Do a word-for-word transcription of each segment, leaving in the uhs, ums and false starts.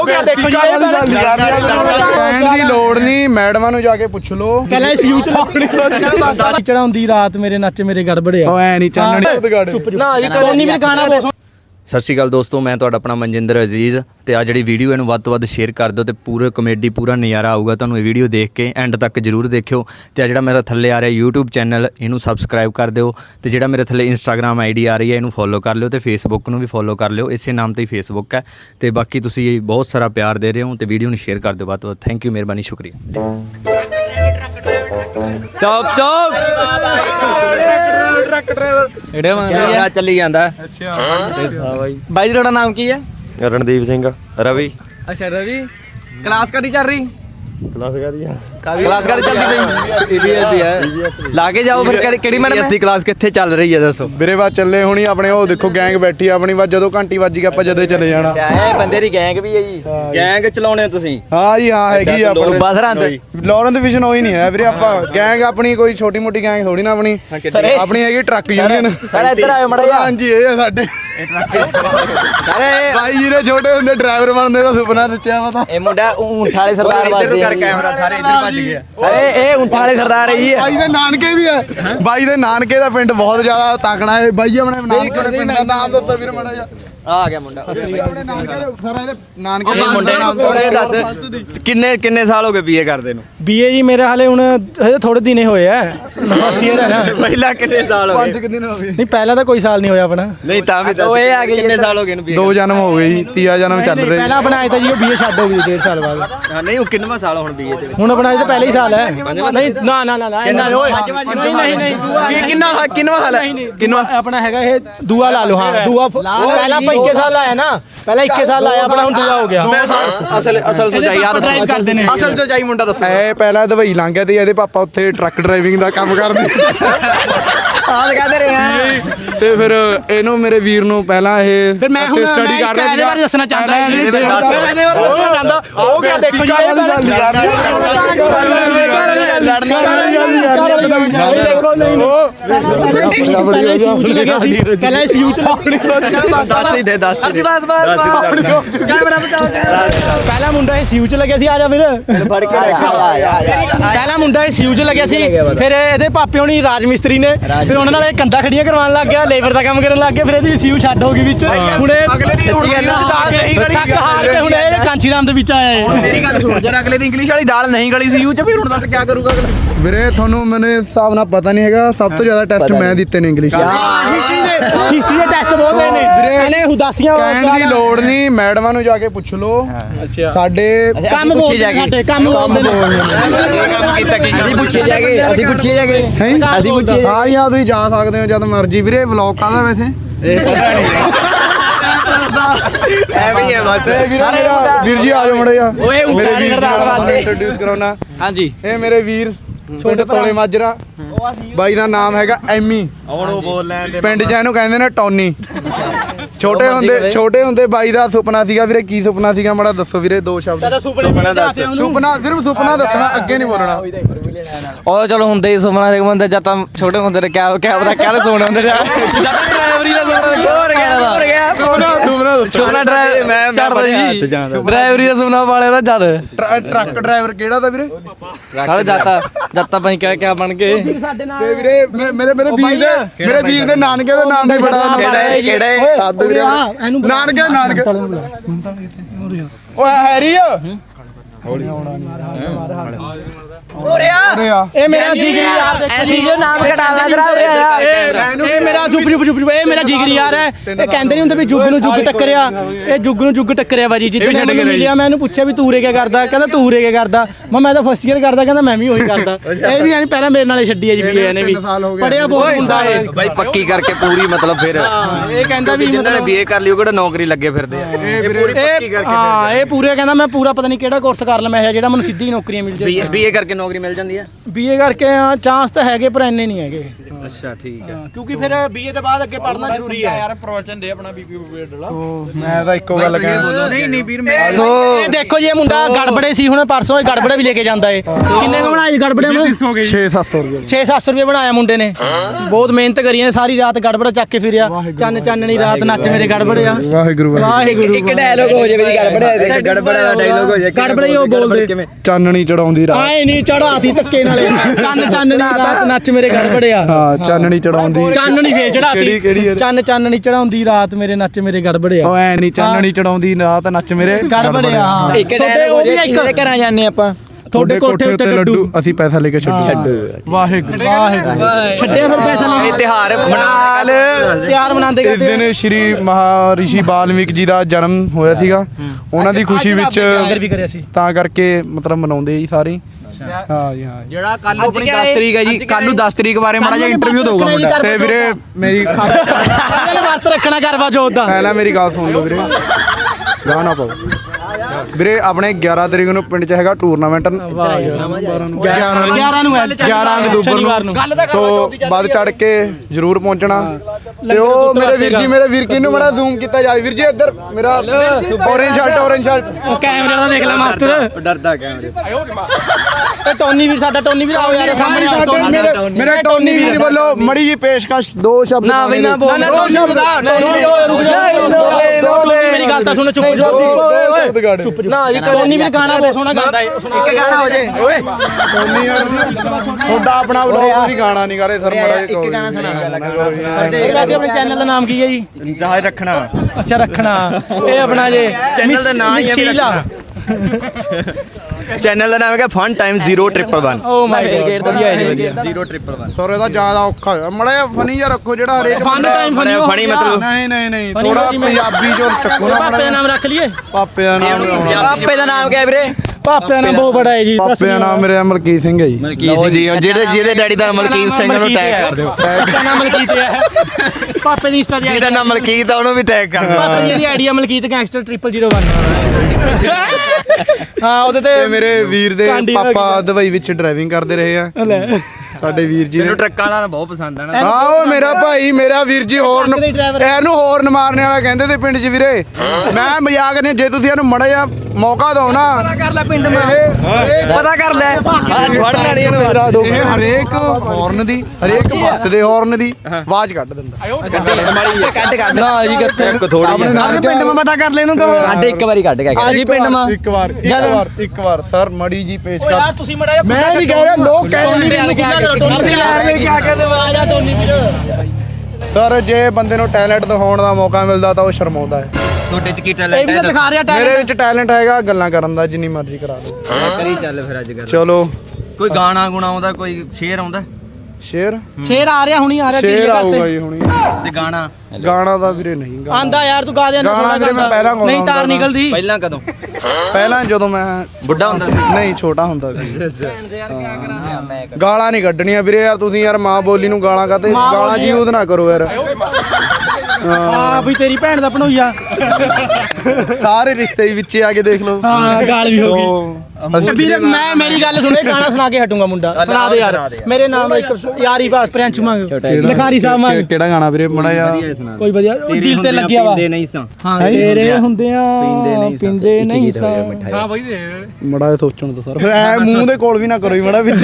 ਕਹਿਣ ਦੀ ਲੋੜ ਨਹੀਂ, ਮੈਡਮਾਂ ਨੂੰ ਜਾ ਕੇ ਪੁੱਛ ਲੋ। ਪਹਿਲਾਂ ਸਿਊ ਚੜਾਉਂਦੀ ਰਾਤ ਮੇਰੇ ਨੱਚ ਮੇਰੇ ਗੜਬੜਿਆ ਓ ਐ ਨਹੀਂ ਚਾਨਣੀ ਨਾ ਜੀ ਕੋਨੀ ਵੀ ਗਾਣਾ ਬੋਲ। ਸਤਿ ਸ਼੍ਰੀ ਅਕਾਲ ਦੋਸਤੋ, ਮੈਂ ਤੁਹਾਡਾ ਆਪਣਾ ਮਨਜਿੰਦਰ ਅਜ਼ੀਜ਼ ਤੇ ਆ ਜਿਹੜੀ ਵੀਡੀਓ ਇਹਨੂੰ ਵੱਧ ਤੋਂ ਵੱਧ ਸ਼ੇਅਰ ਕਰ ਦਿਓ ਤੇ ਪੂਰੇ ਕਮੇਡੀ ਪੂਰਾ ਨਜ਼ਾਰਾ ਆਊਗਾ ਤੁਹਾਨੂੰ ਇਹ ਵੀਡੀਓ ਦੇਖ ਕੇ। ਐਂਡ ਤੱਕ ਜਰੂਰ ਦੇਖਿਓ ਤੇ ਆ ਜਿਹੜਾ ਮੇਰਾ ਥੱਲੇ ਆ ਰਿਹਾ YouTube ਚੈਨਲ ਇਹਨੂੰ ਸਬਸਕ੍ਰਾਈਬ ਕਰ ਦਿਓ ਤੇ ਜਿਹੜਾ ਮੇਰੇ ਥੱਲੇ ਇੰਸਟਾਗ੍ਰਾਮ ਆਈਡੀ ਆ ਰਹੀ ਹੈ ਇਹਨੂੰ ਫੋਲੋ ਕਰ ਲਿਓ ਤੇ ਫੇਸਬੁੱਕ ਨੂੰ ਵੀ ਫੋਲੋ ਕਰ ਲਿਓ, ਇਸੇ ਨਾਮ ਤੇ ਹੀ ਫੇਸਬੁੱਕ ਹੈ। ਤੇ ਬਾਕੀ ਤੁਸੀਂ ਬਹੁਤ ਸਾਰਾ ਪਿਆਰ ਦੇ ਰਹੇ ਹੋ ਤੇ ਵੀਡੀਓ ਨੂੰ ਸ਼ੇਅਰ ਕਰ ਦਿਓ ਵੱਧ ਤੋਂ ਵੱਧ। ਥੈਂਕ ਯੂ, ਮਿਹਰਬਾਨੀ, ਸ਼ੁਕਰੀਆ। ਚੌਪ ਚੌਪ ਟਰੱਕ ਡਰਾਈਵਰ ਇਹੜੇ ਕੈਮਰਾ ਚੱਲੀ ਜਾਂਦਾ। ਅੱਛਾ ਬਾਈ ਬਾਈ ਤੁਹਾਡਾ ਨਾਮ ਕੀ ਹੈ? ਰਣਦੀਪ ਸਿੰਘ। ਰਵੀ। ਅੱਛਾ ਰਵੀ, ਕਲਾਸ ਕਦੀ ਚੱਲ ਰਹੀ? ਕਲਾਸ ਕਾਦੀ ਆ? ਕਲਾਸ ਕਰ ਚੱਲਦੀ ਪਈ ਈਬੀਐਸ ਦੀ ਹੈ। ਲਾ ਕੇ ਜਾਓ ਫਿਰ। ਕਿਹੜੀ ਮੈਡਮ ਇਸ ਦੀ ਕਲਾਸ ਕਿੱਥੇ ਚੱਲ ਰਹੀ ਹੈ ਦੱਸੋ ਵੀਰੇ ਬਾਅਦ ਚੱਲੇ ਹੋਣੀ ਆਪਣੇ। ਉਹ ਦੇਖੋ ਗੈਂਗ ਬੈਠੀ ਆ ਆਪਣੀ। ਬਾਅਦ ਜਦੋਂ ਘੰਟੀ ਵੱਜ ਗਈ ਆਪਾਂ ਜਦੇ ਚਲੇ ਜਾਣਾ। ਇਹ ਬੰਦੇ ਦੀ ਗੈਂਗ ਵੀ ਹੈ ਜੀ। ਗੈਂਗ ਚਲਾਉਣੇ ਤੁਸੀਂ? ਹਾਂ ਜੀ ਹਾਂ ਹੈਗੀ ਆ। ਬਾਸਰਾਂ ਤੇ ਲੌਰੈਂਸ ਡਿਵੀਜ਼ਨ ਹੋਈ ਨਹੀਂ ਹੈ ਵੀਰੇ। ਆਪਾਂ ਗੈਂਗ ਆਪਣੀ ਕੋਈ ਛੋਟੀ ਮੋਟੀ ਗੈਂਗ ਥੋੜੀ ਨਾ ਆਪਣੀ। ਆਪਣੀ ਹੈਗੀ ਟਰੱਕ ਯੂਨੀਅਨ। ਸਰ ਇੱਧਰ ਆਇਓ ਮੜਾ ਜਾ। ਹਾਂਜੀ ਇਹ ਆ ਸਾਡੇ ਸਾਰੇ ਬਾਈ ਜਿਹੜੇ ਛੋਟੇ ਹੁੰਦੇ ਡਰਾਈਵਰ ਬਣਦੇ ਦਾ ਸੁਪਨਾ ਰਚਿਆ ਵਾ ਤਾਂ। ਇਹ ਮੁੰਡਾ ਊਂਠ ਵਾਲੇ ਸਰਦਾਰ ਵਾਸਤੇ ਕਰ ਕੈਮਰਾ ਸਾਰੇ ਇੱਧਰ ਭੱਜ ਗਿਆ। ਅਰੇ ਇਹ ਊਂਠ ਵਾਲੇ ਸਰਦਾਰ ਹੈ ਜੀ। ਬਾਈ ਦੇ ਨਾਨਕੇ ਵੀ ਹੈ। ਬਾਈ ਦੇ ਨਾਨਕੇ ਦਾ ਪਿੰਡ ਬਹੁਤ ਜ਼ਿਆਦਾ ਤਕੜਾ ਹੈ। ਬਾਈ ਆਪਣੇ ਨਾਨਕੇ ਦੇ ਪਿੰਡ ਦਾ ਨਾਮ ਦੱਸੋ ਵੀਰ ਮਾੜਾ ਜਿਹਾ। ਆ ਗਿਆ ਮੁੰਡਾ। ਨਾਨਕੇ ਇਹ ਮੁੰਡੇ ਨੂੰ ਦੱਸ ਕਿੰਨੇ ਕਿੰਨੇ ਸਾਲ ਹੋ ਗਏ ਬੀਏ ਕਰਦੇ ਨੂੰ? ਬੀਏ ਜੀ ਮੇਰੇ ਹਾਲੇ ਹੁਣ ਹਜੇ ਥੋੜੇ ਦਿਨੇ ਹੋਏ ਆ। ਫਸਟ ਈਅਰ ਹੈ ਨਾ। ਪਹਿਲਾਂ ਕਿੰਨੇ ਸਾਲ ਹੋ ਗਏ? ਪੰਜ ਕਿ ਦਿਨ ਹੋ ਗਏ। ਨਹੀਂ ਪਹਿਲਾਂ ਤਾਂ ਕੋਈ ਸਾਲ ਨਹੀਂ ਹੋਇਆ ਆਪਣਾ। ਨਹੀਂ ਤਾਂ ਵੀ ਦੱਸ ਇਹ ਆ ਗਏ ਕਿੰਨੇ ਸਾਲ ਹੋ ਗਏ ਨੂੰ ਬੀਏ? ਦੋ ਜਨਮ ਹੋ ਗਏ ਜੀ, ਤੀਆ ਜਨਮ ਚੱਲ ਰਿਹਾ। ਪਹਿਲਾਂ ਬਣਾਇਆ ਤਾਂ ਜੀ ਉਹ ਬੀਏ ਛੱਡ ਹੋ ਗਈ ਡੇਢ ਸਾਲ ਬਾਅਦ। ਹਾਂ ਨਹੀਂ ਉਹ ਕਿੰਨਵਾਂ ਸਾਲ ਹੁਣ ਬੀਏ ਦੇ? ਹੁਣ ਬਣਾਇਆ ਤਾਂ ਪਹਿਲਾ ਹੀ ਸਾਲ ਹੈ। ਨਹੀਂ ਨਾ ਨਾ ਨਾ ਇੰਨਾ ਓਏ ਨਹੀਂ ਨਹੀਂ ਨਹੀਂ ਕਿੰਨਾ ਕਿੰਨਵਾਂ ਸਾਲ ਹੈ? ਕਿੰਨਵਾਂ ਆਪਣਾ ਹੈਗਾ ਇਹ ਦੂਆ ਲਾ ਲਓ। ਹਾਂ ਦੂਆ ਪਹਿਲਾਂ ਆਪਾਂ ਇੱਕੀ ਸਾਲ ਲਾਇਆ ਨਾ। ਪਹਿਲਾਂ ਇੱਕੀ ਸਾਲ ਲਾਇਆ ਆਪਣਾ, ਹੁਣ ਦੂਆ ਹੋ ਗਿਆ। ਅਸਲ ਅਸਲ ਸੱਚਾਈ ਯਾਰ ਡਰਾਈਵ ਕਰਦੇ ਨੇ। ਅਸਲ ਸੱਚਾਈ ਮੁੰਡਾ ਦੱਸੋ। ਐ ਪਹਿਲਾਂ ਦੁਬਈ ਲੰਘ ਗਿਆ ਤੇ ਇਹਦੇ ਪਾਪਾ ਉੱਥੇ ਟਰੱਕ ਡਰਾਈਵਿੰਗ ਦਾ ਕੰਮ ਕਰਦੇ। ਹਾਲ ਕਹਦੇ ਰਹੇ ਆ। ਤੇ ਫਿਰ ਇਹਨੂੰ ਮੇਰੇ ਵੀਰ ਨੂੰ ਪਹਿਲਾਂ ਇਹ ਫਿਰ ਮੈਂ ਹੁਣ ਸਟੱਡੀ ਕਰ ਰਿਹਾ ਸੀ। ਇਹਦੇ ਬਾਰੇ ਦੱਸਣਾ ਚਾਹੁੰਦਾ। ਇਹਦੇ ਬਾਰੇ ਦੱਸ। ਇਹਦੇ ਬਾਰੇ ਦੱਸਣਾ ਚਾਹੁੰਦਾ। ਉਹ ਕਿਆ ਦੇਖੋ ਜੀ ਇਹ ਪਹਿਲਾਂ ਸਿਊ ਚਲਾਉਣੀ। ਦੱਸ ਹੀ ਦੇ ਦੱਸ ਹੀ ਦੇ। ਬਸ ਬਸ ਕੈਮਰਾ ਬਚਾਓ। ਪਹਿਲਾ ਮੁੰਡਾ ਇਹ ਸਿਊ ਚ ਲੱਗਿਆ ਸੀ। ਆ ਜਾ ਫਿਰ ਫੜ ਕੇ ਰੱਖ ਆ ਜਾ। ਪਹਿਲਾ ਮੁੰਡਾ ਇਹ ਸਿਊ ਚ ਲੱਗਿਆ ਸੀ। ਫਿਰ ਇਹਦੇ ਪਾਪੇ ਹੋਣੀ ਰਾਜ ਮਿਸਤਰੀ ਨੇ। ਫਿਰ ਉਹਨਾਂ ਨਾਲ ਇਹ ਕੰਧਾਂ ਖੜੀਆਂ ਕਰਵਾਉਣ ਲੱਗ ਗਿਆ, ਲੇਬਰ ਦਾ ਕੰਮ ਕਰਨ ਲੱਗ ਗਿਆ। ਫਿਰ ਇਹਦੀ ਸਿਊ ਛੱਡ ਹੋ ਗਈ ਵਿੱਚ। ਹੁਣ ਇਹ ਹੁਣ ਇਹ ਕਾਂਚੀ ਰਾਮ ਦੇ ਵਿੱਚ ਆਇਆ ਇਹ। ਮੇਰੀ ਗੱਲ ਸੁਣ ਜਰਾ, ਅਗਲੇ ਦੀ ਇੰਗਲਿਸ਼ ਵਾਲੀ ਦਾਲ ਨਹੀਂ ਗਲੀ ਸੀ ਯੂ ਚ, ਫਿਰ ਹੁਣ ਦੱਸ ਕੀ ਕਰੂਗਾ ਅਗਲਾ? ਵੀਰੇ ਤੁਹਾਨੂੰ ਮੈਨੂੰ ਹਿਸਾਬ ਨਾਲ ਪਤਾ ਨਹੀਂ ਹੈਗਾ। ਸਭ ਤੋਂ ਜ਼ਿਆਦਾ ਟੈਸਟ ਮੈਂ ਦਿੱਤੇ ਨੇ ਇੰਗਲਿਸ਼ ਦੇ। ਹਿਸਟਰੀ ਦੇ ਟੈਸਟ ਬਹੁਤ ਹੋਏ ਨੇ ਇਹਨੇ ਉਦਾਸੀਆਂ। ਕਹਿਣ ਦੀ ਲੋੜ ਨਹੀਂ, ਮੈਡਮਾਂ ਨੂੰ ਜਾ ਕੇ ਪੁੱਛ ਲੋ। ਸਾਡੇ ਕੰਮ ਬੋਲਦੇ ਸਾਡੇ ਕੰਮ ਬੋਲਦੇ ਨੇ। ਅਸੀਂ ਪੁੱਛੇ ਜਾਗੇ ਅਸੀਂ ਪੁੱਛੇ ਜਾਗੇ ਅਸੀਂ ਪੁੱਛੇ। ਹਾਂ ਯਾਰ ਤੁਸੀਂ ਜਾ ਸਕਦੇ ਹੋ ਜਦ ਮਰਜੀ। ਵੀਰੇ ਵਲੌਗ ਕਾਹਦਾ ਵੈਸੇ? ਐਵੇਂ ਹੀ ਹੈ ਬਸ। ਵੀਰ ਜੀ ਆ ਜਾਓ ਮੜੇ ਜਾ। ਓਏ ਮੇਰੇ ਵੀਰ ਨੂੰ ਇੰਟਰੋਡਿਊਸ ਕਰਾਉਣਾ। ਹਾਂਜੀ ਇਹ ਮੇਰੇ ਵੀਰ ਛੋਟੇ ਤੋਲੇ ਮਾਜਰਾ। ਬਾਈ ਦਾ ਨਾਮ ਹੈਗਾ ਐਮੀ। ਹੁਣ ਉਹ ਬੋਲ ਲੈਣ ਦੇ। ਪਿੰਡ 'ਚ ਇਹਨੂੰ ਕਹਿੰਦੇ ਨੇ ਟੌਨੀ। ਛੋਟੇ ਹੁੰਦੇ ਛੋਟੇ ਹੁੰਦੇ ਬਾਈ ਦਾ ਸੁਪਨਾ ਸੀਗਾ। ਵੀਰੇ ਕੀ ਸੁਪਨਾ ਸੀਗਾ ਮਾੜਾ ਦੱਸੋ ਵੀਰੇ, ਦੋ ਸ਼ਬਦ। ਸੁਪਨਾ ਦੱਸ। ਸੁਪਨਾ ਸਿਰਫ ਸੁਪਨਾ ਦੱਸਣਾ, ਅੱਗੇ ਨਹੀਂ ਬੋਲਣਾ। ਉਹ ਚਲੋ ਹੁੰਦੇ ਹੀ ਸੁਪਨਾ ਦੇ ਬੰਦੇ ਜਦ ਤਾਂ ਛੋਟੇ ਹੁੰਦੇ ਨੇ ਕਿਆ ਕਿਆ ਪਤਾ ਕਿਆ ਸੁਪਨੇ ਹੁੰਦੇ ਜਾਂ ਡਰਾਈਵਰੀ ਦਾ ਸੁਪਨਾ ਹੋਰ ਗਿਆ ਹੋਰ ਗਿਆ ਸੁਪਨਾ ਡਰਾਈਵਰ ਮੈਂ ਚੜਦਾ ਜੀ। ਡਰਾਈਵਰੀ ਦਾ ਸੁਪਨਾ ਵਾਲੇ ਦਾ ਜਦ ਟਰੱਕ ਡਰਾਈਵਰ ਕਿਹੜਾ ਦਾ ਵੀਰੇ? ਸਾਰੇ ਜਾਤਾ ਜਾਤਾ ਬਣ ਕੇ ਕਿਆ ਬਣ ਗਏ। ਤੇ ਵੀਰੇ ਮੇ- ਮੇਰੇ ਮੇਰੇ ਵੀਰ ਦੇ ਮੇਰੇ ਵੀਰ ਦੇ ਨਾਨਕੇ ਦਾ ਨਾਮ ਨਹੀਂ ਬੜਾ। ਕਿਹੜੇ ਕਿਹੜੇ ਦੱਸ ਵੀਰੇ। ਨਾਨਕੇ ਨਾਨਕੇ ਓਏ ਹੈਰੀ ਆ। ਇਹ ਮੇਰਾ ਜਿਗਰੀ ਯਾਰ ਦੇਖੋ ਜੋ ਨਾਮ ਘਟਾਵਾ ਜਰਾ ਇਹ ਮੇਰਾ ਜੁਗ ਜੁਗ ਜੁਗ ਇਹ ਮੇਰਾ ਜਿਗਰੀ ਯਾਰ ਹੈ। ਇਹ ਕਹਿੰਦੇ ਨਹੀਂ ਹੁੰਦੇ ਵੀ ਜੁਗ ਨੂੰ ਜੁਗ ਟੱਕਰਿਆ। ਇਹ ਜੁਗ ਨੂੰ ਜੁਗ ਟੱਕਰਿਆ ਬਾਜੀ। ਜਿੱਦਣ ਮੈਨੂੰ ਮਿਲਿਆ ਮੈਂ ਇਹਨੂੰ ਪੁੱਛਿਆ ਵੀ ਤੂੰ ਉਰੇ ਕਿਆ ਕਰਦਾ? ਕਹਿੰਦਾ ਤੂੰ ਉਰੇ ਕਿਆ ਕਰਦਾ? ਮੈਂ ਮੈਂ ਤਾਂ ਫਸਟ ਈਅਰ ਕਰਦਾ। ਕਹਿੰਦਾ ਮੈਂ ਵੀ ਉਹੀ ਕਰਦਾ। ਇਹ ਵੀ ਯਾਨੀ ਪਹਿਲਾਂ ਮੇਰੇ ਨਾਲੇ ਛੱਡੀ ਹੈ ਜੀ ਬੀਏ ਇਹਨੇ ਵੀ। ਪੜਿਆ ਬਹੁਤ ਮੁੰਡਾ ਇਹ ਬਾਈ ਪੱਕੀ ਕਰਕੇ ਪੂਰੀ ਮਤਲਬ ਫਿਰ ਇਹ ਕਹਿੰਦਾ ਵੀ ਜਿੰਨਾਂ ਨੇ ਬੀਏ ਕਰ ਲਈ ਉਹ ਕਿਹੜਾ ਨੌਕਰੀ ਲੱਗੇ ਫਿਰਦੇ ਆ। ਇਹ ਪੂਰੀ ਪੱਕੀ ਇਹ ਕਰਕੇ ਹਾਂ ਇਹ ਪੂਰੇ ਕਹਿੰਦਾ ਮੈਂ ਪੂਰਾ ਪਤਾ ਨਹੀਂ ਕਿਹੜਾ ਕੋਰਸ ਕਰ ਲਵਾਂ ਇਹ ਜਿਹੜਾ ਮੈਨੂੰ ਸਿੱਧੀ ਨੌਕਰੀਆਂ ਮਿਲ ਜਾਏ। ਬੀਏ ਬੀਏ ਕਰਕੇ ਨੌਕਰੀ ਮਿਲ ਜਾਂਦੀ ਆ। ਬੀਏ ਕਰਕੇ ਚਾਂਸ ਤਾਂ ਹੈਗੇ ਪਰ ਇੰਨੇ ਨਹੀਂ ਹੈਗੇ। ਅੱਛਾ ਠੀਕ ਹੈ ਕਿਉਂਕਿ ਫਿਰ ਬੀਏ ਤੋਂ ਬਾਅਦ ਅੱਗੇ ਪੜ੍ਹਨਾ ਜ਼ਰੂਰੀ ਹੈ ਯਾਰ ਪ੍ਰੋਚਨ ਦੇ ਆਪਣਾ ਬੀਪੀ ਬੂਪੀ ਸੋ ਮੈਂ ਤਾਂ ਇੱਕੋ ਗੱਲ ਕਹਿਣਾ ਨਹੀਂ ਨਹੀਂ ਵੀਰ ਮੈਂ ਸੋ ਇਹ ਦੇਖੋ ਜੀ ਇਹ ਮੁੰਡਾ ਗੜਬੜੇ ਸੀ ਹੁਣ ਪਰਸੋਂ ਇਹ ਗੜਬੜੇ ਵੀ ਲੈ ਕੇ ਜਾਂਦਾ ਏ ਕਿੰਨੇ ਕੁ ਬਣਾਏ ਗੜਬੜੇ ਮੈਂ ਛੇ ਸੱਤ ਸੌ ਰੁਪਏ ਛੇ ਸੱਤ ਸੌ ਰੁਪਏ ਬਣਾਇਆ ਮੁੰਡੇ ਨੇ ਬਹੁਤ ਮਿਹਨਤ ਕਰੀ ਨੇ ਸਾਰੀ ਰਾਤ ਗੜਬੜਾ ਚੱਕ ਕੇ ਫਿਰਿਆ ਚੰਨ ਚਾਨਣੀ ਰਾਤ ਨੱਚ ਮੇਰੇ ਗੜਬੜੇ ਆ ਵਾਹਿਗੁਰੂ ਵਾਹਿਗੁਰੂ ਇੱਕ ਡਾਇਲੋਗ ਹੋ ਜਾਵੇ ਜੀ ਗੜਬੜੇ ਗੜਬੜੇ ਦਾ ਡਾਇਲੋਗ ਹੋ ਜਾਏ ਗੜਬੜੇ ਹੀ ਉਹ ਬੋਲਦੇ ਚਾਨਣੀ ਚੜਾਉਂਦੀ ਰਾਤ ਆਏ ਨਹੀਂ ਚੜਾਤੀ ਧੱਕੇ ਨਾਲੇ ਚੰਨ ਚਾਨਣੀ ਰਾਤ ਨੱਚ ਮੇਰੇ ਗੜਬੜੇ ਆ ਹਾਂ ਚਾਨਣੀ ਚੜਾਉਂਦੀ ਚਾਨਣੀ ਫੇਰ ਕਿਹੜੀ- ਕਿਹੜੀ ਚੜਾਤੀ ਯਾਰ? ਚੰਨ ਚਾਨਣੀ ਚੜਾਉਂਦੀ ਰਾਤ ਮੇਰੇ ਨੱਚ ਮੇਰੇ ਗੜਬੜੇ ਉਹ ਆ ਐ ਨਹੀਂ ਚਾਨਣੀ ਚੜਾਉਂਦੀ ਰਾਤ ਨੱਚ ਮੇਰੇ ਗੜਬੜੇ ਆ ਹਾਂ ਇੱਕ ਡਾਇਲੋਗ ਹੋ ਜਾਏ ਕਿਸੇ ਦੇ ਘਰਾਂ ਜਾਂਦੇ ਆਪਾਂ ਤੁਹਾਡੇ ਕੋਠੇ ਉੱਤੇ ਲੱਡੂ ਅਸੀਂ ਪੈਸਾ ਲੈ ਕੇ ਛੱਡੂ ਵਾਹਿਗੁਰੂ ਵਾਹਿਗੁਰੂ ਛੱਡਿਆ ਫਿਰ ਪੈਸਾ ਲੈ ਇਹ ਤਿਹਾਰ ਮਨਾਲ ਤਿਆਰ ਮਨਾਉਂਦੇ ਇਸ ਦਿਨ ਸ਼੍ਰੀ ਮਹਾਰਿਸ਼ੀ ਵਾਲਮੀਕ ਜੀ ਦਾ ਜਨਮ ਹੋਇਆ ਸੀਗਾ ਉਹਨਾਂ ਦੀ ਖੁਸ਼ੀ ਵਿੱਚ ਲੰਗਰ ਵੀ ਕਰਿਆ ਸੀ ਤਾਂ ਕਰਕੇ ਮਤਲਬ ਮਨਾਉਂਦੇ ਜੀ ਸਾਰੇ ਹਾਂ ਜੀ ਹਾਂ ਜੀ। ਜਿਹੜਾ ਕੱਲ ਨੂੰ ਆਪਣੀ ਦਸ ਤਰੀਕ ਹੈ ਜੀ ਕੱਲ ਨੂੰ ਦਸ ਤਰੀਕ ਬਾਰੇ ਮਾੜਾ ਜਿਹਾ ਇੰਟਰਵਿਊ ਦਊਗਾ ਮੁੰਡਾ ਤੇ ਵੀਰੇ ਮੇਰੀ ਇਹਨੇ ਵਰਤ ਰੱਖਣਾ ਕਰਵਾ ਚੌਥ ਦਾ ਪਹਿਲਾਂ ਮੇਰੀ ਗੱਲ ਸੁਣ ਲਓ ਵੀਰੇ ਗਾਣਾ ਪਾਓ ਵੀਰੇ ਆਪਣੇ ਗਿਆਰਾਂ ਤਰੀਕ ਨੂੰ ਪਿੰਡ 'ਚ ਹੈਗਾ ਟੂਰਨਾਮੈਂਟ ਗਿਆਰਾਂ ਨੂੰ ਹੈ ਗਿਆਰਾਂ ਅਕਤੂਬਰ ਨੂੰ ਸੋ ਵੱਧ ਚੜ ਕੇ ਜ਼ਰੂਰ ਪਹੁੰਚਣਾ ਤੇ ਉਹ ਮੇਰੇ ਵੀਰ ਜੀ ਮੇਰੇ ਵੀਰ ਕਿਨੂੰ ਬੜਾ ਜ਼ੂਮ ਕੀਤਾ ਜਾਵੇ ਵੀਰ ਜੀ ਇੱਧਰ ਮੇਰਾ ਔਰੇਂਜ ਸ਼ਰਟ ਔਰੇਂਜ ਸ਼ਰਟ ਉਹ ਕੈਮਰੇ ਵਾਲਾ ਦੇਖ ਲੈ ਮਾਸਟਰ ਡਰਦਾ ਕੈਮਰੇ ਤੇ ਟੋਨੀ ਵੀਰ ਸਾਡਾ ਟੋਨੀ ਵੀਰ ਆਓ ਯਾਰ ਸਾਹਮਣੇ ਆਓ, ਟੋਨੀ ਵੀਰ। ਮੇਰੇ ਮੇਰੇ ਟੋਨੀ ਵੀਰ ਵੱਲੋਂ ਮੜੀ ਜੀ ਪੇਸ਼ਕਸ਼ ਦੋ ਸ਼ਬਦ ਨਾ ਬਈ ਨਾ ਬੋਲ। ਦੋ ਸ਼ਬਦ ਟੋਨੀ ਵੀਰ ਓਏ ਰੁਕ ਜਾ ਟੋਨੀ ਮੇਰੀ ਗੱਲ ਤਾਂ ਸੁਣ ਚੁੱਪ ਜਾ ਚੁੱਪ ਨਾ ਜੀ ਟੋਨੀ ਵੀਰ ਗਾਣਾ ਬਹੁਤ ਸੋਹਣਾ ਗਾਉਂਦਾ ਏ ਇੱਕ ਗਾਣਾ ਹੋ ਜਾਏ ਓਏ ਟੋਨੀ ਯਾਰ ਤੁਹਾਡਾ ਆਪਣਾ ਵਲੋਗ ਵੀ ਗਾਣਾ ਨਹੀਂ ਕਰੇ ਸਰ ਮੜਾ ਇੱਕ ਗਾਣਾ ਸੁਣਾ ਫਿਰ ਵੈਸੇ ਆਪਣੇ ਚੈਨਲ ਦਾ ਨਾਮ ਕੀ ਹੈ ਜੀ ਜਹਾਜ਼ ਰੱਖਣਾ ਅੱਛਾ ਰੱਖਣਾ ਇਹ ਆਪਣਾ ਜੇ ਚੈਨਲ ਦਾ ਨਾਮ ਹੀ ਹੈ ਮੇਰਾ। ਸ਼ੀਲਾ ਚੈਨਲ ਦਾ ਨਾਮ ਹੈਗਾ fun time zero triple one oh my god ਵਧੀਆ ਹੈ ਜੀ ਜ਼ੀਰੋ ਟ੍ਰਿਪਲ ਵਨ ਸਰ ਇਹਦਾ ਜ਼ਿਆਦਾ ਔਖਾ ਹੋਇਆ ਮੜਾ ਜਿਹਾ ਫਨੀ ਜਿਹਾ ਰੱਖੋ ਜਿਹੜਾ ਹਰੇਕ ਫਨ ਟਾਈਮ ਫਨੀ ਹੋ ਫਨੀ ਗਿਆ। ਮਤਲਬ ਨਹੀਂ ਨਹੀਂ ਨਹੀਂ ਫਨੀ ਥੋੜਾ ਜਿਵੇਂ- ਪੰਜਾਬੀ ਚੋਂ ਚੱਕੋ ਨਾ ਪਾਪੇ ਦਾ ਨਾਮ ਰੱਖ ਲਈਏ ਪਾਪੇ ਦਾ ਨਾਮ ਪਾਪੇ ਦਾ ਨਾਮ ਕਿਆ ਵੀਰੇ ਪਾਪੇ ਦਾ ਨਾਮ ਬਹੁਤ ਬੜਾ ਹੈ ਜੀ ਪਾਪੇ ਦਾ ਨਾਮ ਮੇਰੇ ਮਲਕੀਤ ਸਿੰਘ ਹੈ ਜੀ ਲਓ ਜੀ ਜਿਹੜੇ ਜਿਹਦੇ ਡੈਡੀ ਦਾ ਮਲਕੀਤ ਸਿੰਘ ਨੂੰ ਟੈਗ ਕਰ ਦਿਓ ਪਾਪੇ ਦਾ ਨਾਮ ਮਲਕੀਤ ਹੈ ਪਾਪੇ ਦੀ ਇੰਸਟਾ ਦੀ ਜਿਹਦਾ ਨਾਮ ਮਲਕੀਤ ਆ ਉਹਨੂੰ ਵੀ ਟੈਗ ਕਰ ਦਿਓ ਪਾਪੇ ਦੀ ਆਈਡੀ ਹੈ Malkit gangster triple zero one ਹਾਂ ਉਹਦੇ ਤੇ ਤੇ ਮੇਰੇ ਵੀਰ ਦੇ ਕਾਂਡੀ ਦਾ ਪਾਪਾ ਦੁਬਈ ਵਿੱਚ ਡਰਾਈਵਿੰਗ ਕਰਦੇ ਰਹੇ ਆ ਲੈ ਸਾਡੇ ਵੀਰ ਜੀ ਨੇ ਮੈਨੂੰ ਟਰੱਕਾਂ ਵਾਲਾ ਬਹੁਤ ਪਸੰਦ ਆ ਨਾ ਹਾਂ ਉਹ ਮੇਰਾ ਭਾਈ ਮੇਰਾ ਵੀਰ ਜੀ ਹੋਰਨ ਟਰੱਕ ਦੇ driver। ਇਹਨੂੰ ਹੋਰਨ ਮਾਰਨੇ ਵਾਲਾ ਕਹਿੰਦੇ ਤੇ ਪਿੰਡ 'ਚ ਵੀਰੇ ਮੈਂ ਮਜ਼ਾਕ ਨਹੀਂ ਜੇ ਤੁਸੀਂ ਇਹਨੂੰ ਮੜਾ ਜਿਹਾ ਮੌਕਾ ਦਿਓ ਨਾ ਕਰ ਲੈ ਪਿੰਡ ਮਾ ਪਤਾ ਕਰ ਲੈ ਫੜਨ ਵਾਲੀ ਇਹਨੂੰ ਇਹ ਹਰੇਕ ਹੋਰਨ ਦੀ ਹਰੇਕ ਬੱਸ ਦੇ ਹੋਰਨ ਦੀ ਆਵਾਜ਼ ਕੱਢ ਦਿੰਦਾ ਕੱਢ ਕੱਢ ਨਾ ਜੀ ਕਿੱਥੇ ਇੱਕ ਥੋੜੀ ਆਪਣੇ ਪਿੰਡ ਮਾ ਪਤਾ ਕਰ ਲੈ ਇਹਨੂੰ ਕਹੋ ਸਾਡੇ ਇੱਕ ਵਾਰੀ ਕੱਢ ਕੇ ਆ ਜੀ ਪਿੰਡ ਮਾ ਇੱਕ ਵਾਰ ਇੱਕ ਵਾਰ ਇੱਕ ਵਾਰ ਸਰ ਮੜੀ ਜੀ ਪੇਸ਼ ਓ ਕਰ ਯਾਰ ਤੁਸੀਂ ਮੜਾ ਮੈਂ ਨਹੀਂ ਕਹਿ ਰਿਹਾ ਲੋਕ ਕਹਿ ਰਹੇ ਟੋਨੀ ਵੀਰ ਨੂੰ ਖੁੱਲਾ ਕਰੋ ਟੋਨੀ ਵੀਰ ਯਾਰ ਨੇ ਕਿਆ ਕਹਿੰਦੇ ਆ ਜਾ ਟੋਨੀ ਵੀਰ ਸਰ ਜੇ ਬੰਦੇ ਨੂੰ ਟੈਲੈਂਟ ਦਿਖਾਉਣ ਦਾ ਮੌਕਾ ਮਿਲਦਾ ਤਾਂ ਉਹ ਸ਼ਰਮਾਉਂਦਾ ਹੈ ਤੁਹਾਡੇ ਚ ਕੀ ਇਹ ਟੈਲੈਂਟ ਵੀ ਤਾਂ ਦਿਖਾ ਰਿਹਾ ਮੇਰੇ ਟੈਲੈਂਟ ਵਿੱਚ ਟੈਲੈਂਟ ਹੈਗਾ ਗੱਲਾਂ ਕਰਨ ਦਾ ਜਿੰਨੀ ਮਰਜ਼ੀ ਕਰਾ ਲਓ ਕਰੀ ਚੱਲ ਫਿਰ ਅੱਜ ਗੱਲ ਚਲੋ ਕੋਈ ਗਾਣਾ ਗੁਣਾ ਆਉਂਦਾ ਕੋਈ ਸ਼ੇਰ ਆਉਂਦਾ ਸ਼ੇਰ ਸ਼ੇਰ ਆ ਰਿਹਾ ਹੁਣੀ ਆ ਰਿਹਾ ਸ਼ੇਰ ਚਿੜੀਆ ਆਊਗਾ ਕਰਤੇ ਜੀ ਹੁਣੀ ਤੇ ਗਾਣਾ ਗਾਣਾ ਦਾ ਵੀਰੇ ਨਹੀਂ ਗਾਣਾ ਆਂਦਾ ਯਾਰ ਤੂੰ ਗਾ ਦੇ ਨਾ ਗਾਣਾ ਸੋਹਣਾ ਵੀਰੇ ਮੈਂ ਪਹਿਲਾਂ ਗਾਉਂਦਾ ਨਹੀਂ ਤਾਰ ਹੁੰਦਾ ਨਿਕਲਦੀ ਪਹਿਲਾਂ ਕਦੋਂ ਪਹਿਲਾਂ ਜਦੋਂ ਮੈਂ ਬੁੱਢਾ ਹੁੰਦਾ ਸੀ ਨਹੀਂ ਛੋਟਾ ਹੁੰਦਾ ਸੀ ਗਾਲਾਂ ਨਹੀਂ ਕੱਢਣੀਆਂ ਵੀਰੇ ਯਾਰ ਤੁਸੀਂ ਯਾਰ ਮਾਂ ਬੋਲੀ ਨੂੰ ਗਾਲਾਂ ਕਾਤੇ ਮਾਂ ਗਾਲਾਂ ਬੋਲੀ ਜੀ ਯੂਜ਼ ਨਾ ਕਰੋ ਯਾਰ ਹਾਂ ਵੀ ਤੇਰੀ ਭੈਣ ਦਾ ਭਣੋਈਆ ਸਾਰੇ ਰਿਸ਼ਤੇ ਹੀ ਵਿੱਚ ਆ ਕੇ ਦੇਖ ਲਓ ਹਾਂ ਗਾਲ ਵੀ ਹੋ ਗਈ ਉਹ ਵੀਰੇ ਮੈਂ ਮੇਰੀ ਗੱਲ ਸੁਣੇ ਗਾਣਾ ਸੁਣਾ ਕੇ ਹਟੂੰਗਾ ਮੁੰਡਾ ਸੁਣਾ ਦੇ ਯਾਰ ਮੇਰੇ ਨਾਮ ਦਾ ਇੱਕ ਯਾਰੀ ਬਾਸ ਪ੍ਰਿੰਚ ਮੰਗ ਲਖਾਰੀ ਸਾਹਿਬ ਮੰਗ ਕਿਹੜਾ ਗਾਣਾ ਵੀਰੇ ਮੜਾ ਯਾਰ ਕੋਈ ਵਧੀਆ ਉਹ ਦਿਲ ਤੇ ਲੱਗਿਆ ਵਾ ਪੀਂਦੇ ਨਹੀਂ ਸਾਂ ਹਾਂ ਤੇਰੇ ਹੁੰਦਿਆਂ ਪਿੰਦੇ ਨਹੀਂ ਸਾ ਮੜਾ ਸੋਚਣ ਤੋਂ ਸਰ ਫਿਰ ਐ ਮੂੰਹ ਦੇ ਕੋਲ ਵੀ ਨਾ ਕਰੋ ਮੜਾ ਵਿੱਚ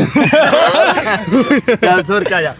ਚੱਲ ਸੁਰ ਚ ਆ ਜਾ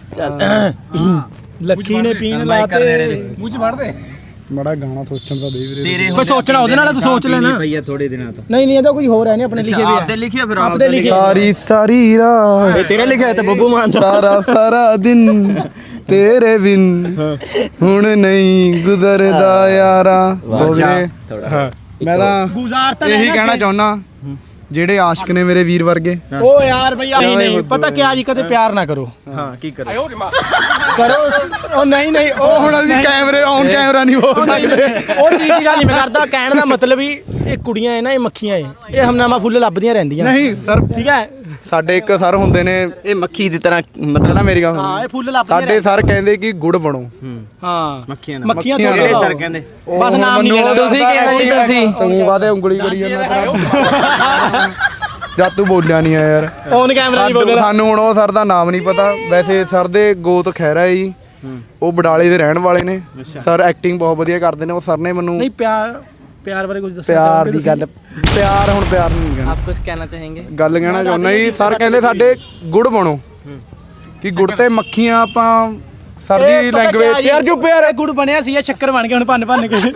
ਲੱਖੀ ਨੇ ਪੀਣ ਲਾਤੇ ਮੜਾ ਗਾਣਾ ਸੋਚਣ ਦਾ ਦੇ ਵੀਰੇ ਤੇਰੇ ਕੋਈ ਸੋਚਣਾ ਉਹਦੇ ਨਾਲ ਤੂੰ ਸੋਚ ਲੈਣਾ ਭਈਆ ਥੋੜੇ ਦਿਨਾਂ ਤੋਂ ਨਹੀਂ ਨਹੀਂ ਇਹਦਾ ਕੋਈ ਹੋਰ ਹੈ ਨਹੀਂ ਆਪਣੇ ਲਿਖੇ ਵੀ ਆਪਦੇ ਲਿਖਿਆ ਫਿਰ ਆਪਦੇ ਲਿਖੇ ਸਾਰੀ ਸਾਰੀ ਰਾਤ ਤੇਰੇ ਲਿਖਿਆ ਤਾਂ ਬੱਬੂ ਮਾਨ ਦਾ ਸਾਰਾ ਸਾਰਾ ਦਿਨ ਤੇਰੇ ਬਿਨ ਹੁਣ ਨਹੀਂ ਗੁਜ਼ਰਦਾ ਯਾਰਾ ਉਹ ਵੀਰੇ ਮੈਂ ਤਾਂ ਗੁਜ਼ਾਰ ਤਾਂ ਇਹੀ ਕਹਿਣਾ ਚਾਹੁੰਦਾ ਜਿਹੜੇ ਆਸ਼ਕ ਨੇ ਮੇਰੇ ਵੀਰ ਵਰਗੇ ਓ ਯਾਰ ਭਈਆ ਨਹੀਂ ਨਹੀਂ ਪਤਾ ਕਿਆ ਜੀ ਕਦੇ ਪਿਆਰ ਨਾ ਕਰੋ ਹਾਂ ਕੀ ਕਰੇ ਕਰੋ ਉਹ ਨਹੀਂ ਨਹੀਂ ਉਹ ਹੁਣ ਅਸੀਂ ਕੈਮਰੇ ਔਨ ਕੈਮਰਾ ਨਹੀਂ ਹੋ ਸਕਦੇ ਉਹ ਚੀਜ਼ ਦੀ ਗੱਲ ਨਹੀਂ ਮੈਂ ਕਰਦਾ ਕਹਿਣ ਦਾ ਮਤਲਬ ਹੀ ਇਹ ਕੁੜੀਆਂ ਐ ਨਾ ਇਹ ਮੱਖੀਆਂ ਐ ਇਹ ਹਮਨਾਮਾ ਫੁੱਲ ਲੱਭਦੀਆਂ ਰਹਿੰਦੀਆਂ ਨਹੀਂ ਸਰ ਠੀਕ ਹੈ ਸਾਡੇ ਇੱਕ ਸਰ ਹੁੰਦੇ ਨੇ ਇਹ ਮੱਖੀ ਦੀ ਤਰ੍ਹਾਂ ਮਤਲਬ ਨਾ ਮੇਰੀ ਗੱਲ ਹਾਂ ਸੁਣੋ ਇਹ ਫੁੱਲ ਲੱਭਦੀਆਂ ਸਾਡੇ ਸਰ ਕਹਿੰਦੇ ਕਿ ਗੁੜ ਬਣੋ ਹਾਂ ਮੱਖੀਆਂ ਨਾਲ ਮੱਖੀਆਂ ਮੱਖੀਆਂ ਕਿਹੜੇ ਤੋਂ ਸਰ ਕਹਿੰਦੇ ਬਸ ਨਾਮ ਨਹੀਂ ਲੈਣਾ ਤੁਸੀਂ ਕਿਹੜਾ ਜੀ ਤੁਸੀਂ ਤੂੰ ਕਾਦੇ ਉਂਗਲੀ ਕਰੀ ਜਾਂਦਾ ਜਦ ਤੂੰ ਬੋਲਿਆ ਨਹੀਂ ਆ ਯਾਰ ਔਨ ਕੈਮਰਾ ਨਹੀਂ ਸਾਨੂੰ- ਬੋਲਣਾ ਸਾਨੂੰ ਹੁਣ ਉਹ ਸਰ ਦਾ ਨਾਮ ਨਹੀਂ ਪਤਾ ਵੈਸੇ ਸਰ ਦੇ ਗੋਤ ਖਹਿਰਾ ਹੈ ਜੀ ਉਹ ਬਡਾਲੇ ਦੇ ਰਹਿਣ ਵਾਲੇ ਨੇ ਸਰ ਐਕਟਿੰਗ ਬਹੁਤ ਵਧੀਆ ਕਰਦੇ ਨੇ ਉਹ ਸਰ ਨੇ ਮੈਨੂੰ ਨਹੀਂ ਪਿਆਰ ਪਿਆਰ ਬਾਰੇ ਕੁਝ ਦੱਸੋ ਪਿਆਰ ਦੀ ਗੱਲ ਪਿਆਰ ਹੁਣ ਪਿਆਰ ਨਹੀਂ ਕਹਿਣਾ ਆਪ ਕੁਝ ਕਹਿਣਾ ਚਾहेंगे ਗੱਲ ਕਹਿਣਾ ਚਾਹੁੰਦਾ ਜੀ ਸਰ ਕਹਿੰਦੇ ਸਾਡੇ ਗੁੜ ਬਣੋ ਕਿ ਗੁੜ ਤੇ ਮੱਖੀਆਂ ਆਪਾਂ ਸਰ ਦੀ ਲੈਂਗੁਏਜ ਯਾਰ ਚੁੱਪ ਯਾਰ ਗੁੜ ਬਣਿਆ ਸੀ ਇਹ ਸ਼ੱਕਰ ਬਣ ਗਿਆ ਹੁਣ ਭੰਨ ਭੰਨ ਕੇ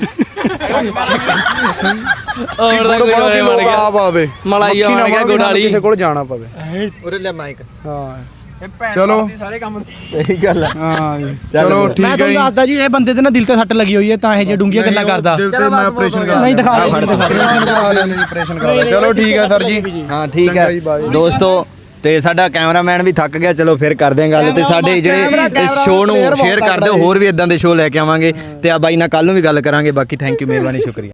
ਹੋਰ ਦਾ ਗੁੜ ਕੋਈ ਬਣੋ ਕਿ ਬਣ ਲੋਕ ਗਿਆ ਆਪ ਆਵੇ ਮਲਾਈ ਮੱਖੀ ਨਾ ਆਉਣ ਗਿਆ ਬਣੋ ਗੁੜ ਕਿ ਵਾਲੀ। ਕਿਸੇ ਕੋਲ ਜਾਣਾ ਪਵੇ ਉਰੇ ਲੈ ਮਾਈਕ ਹਾਂ ਚਲੋ ਸਾਰੇ ਕੰਮ ਸਹੀ ਗੱਲ ਆ ਹਾਂ ਜੀ ਚਲੋ ਮੈਂ ਠੀਕ ਹੈ ਤੁਹਾਨੂੰ ਜੀ ਦੱਸਦਾ ਜੀ ਇਹ ਬੰਦੇ ਤੇ ਨਾ ਦਿਲ ਤੇ ਸੱਟ ਲੱਗੀ ਹੋਈ ਹੈ ਤਾਂ ਇਹ ਜੇ ਡੂੰਘੀਆਂ ਗੱਲਾਂ ਕਰਦਾ ਦਿਲ ਤੇ ਮੈਂ ਆਪਰੇਸ਼ਨ ਕਰਾ ਨਹੀਂ ਦਿਖਾ ਦੇ ਦਿਖਾ ਦੇ। ਆਪਰੇਸ਼ਨ ਕਰਾ ਲਿਆ ਨਹੀਂ ਆਪਰੇਸ਼ਨ ਕਰਾ ਲਿਆ ਚਲੋ ਠੀਕ ਹੈ ਸਰ ਜੀ ਹਾਂ ਠੀਕ ਚੰਗਾ ਹੈ ਜੀ, bye। ਦੋਸਤੋ ਤੇ ਸਾਡਾ ਕੈਮਰਾਮੈਨ ਵੀ ਥੱਕ ਗਿਆ ਚਲੋ ਫਿਰ ਕਰਦੇ ਆਂ ਗੱਲ ਤੇ ਸਾਡੇ ਜਿਹੜੇ ਇਸ ਸ਼ੋਅ ਨੂੰ ਸ਼ੇਅਰ ਕਰ ਦਿਓ ਹੋਰ ਵੀ ਇਦਾਂ ਦੇ ਸ਼ੋਅ ਲੈ ਕੇ ਆਵਾਂਗੇ ਤੇ ਆ ਬਾਈ ਨਾਲ ਕੱਲ ਨੂੰ ਵੀ ਗੱਲ ਕਰਾਂਗੇ ਬਾਕੀ ਥੈਂਕ ਯੂ ਮਿਹਰਬਾਨੀ ਸ਼ੁਕਰੀਆ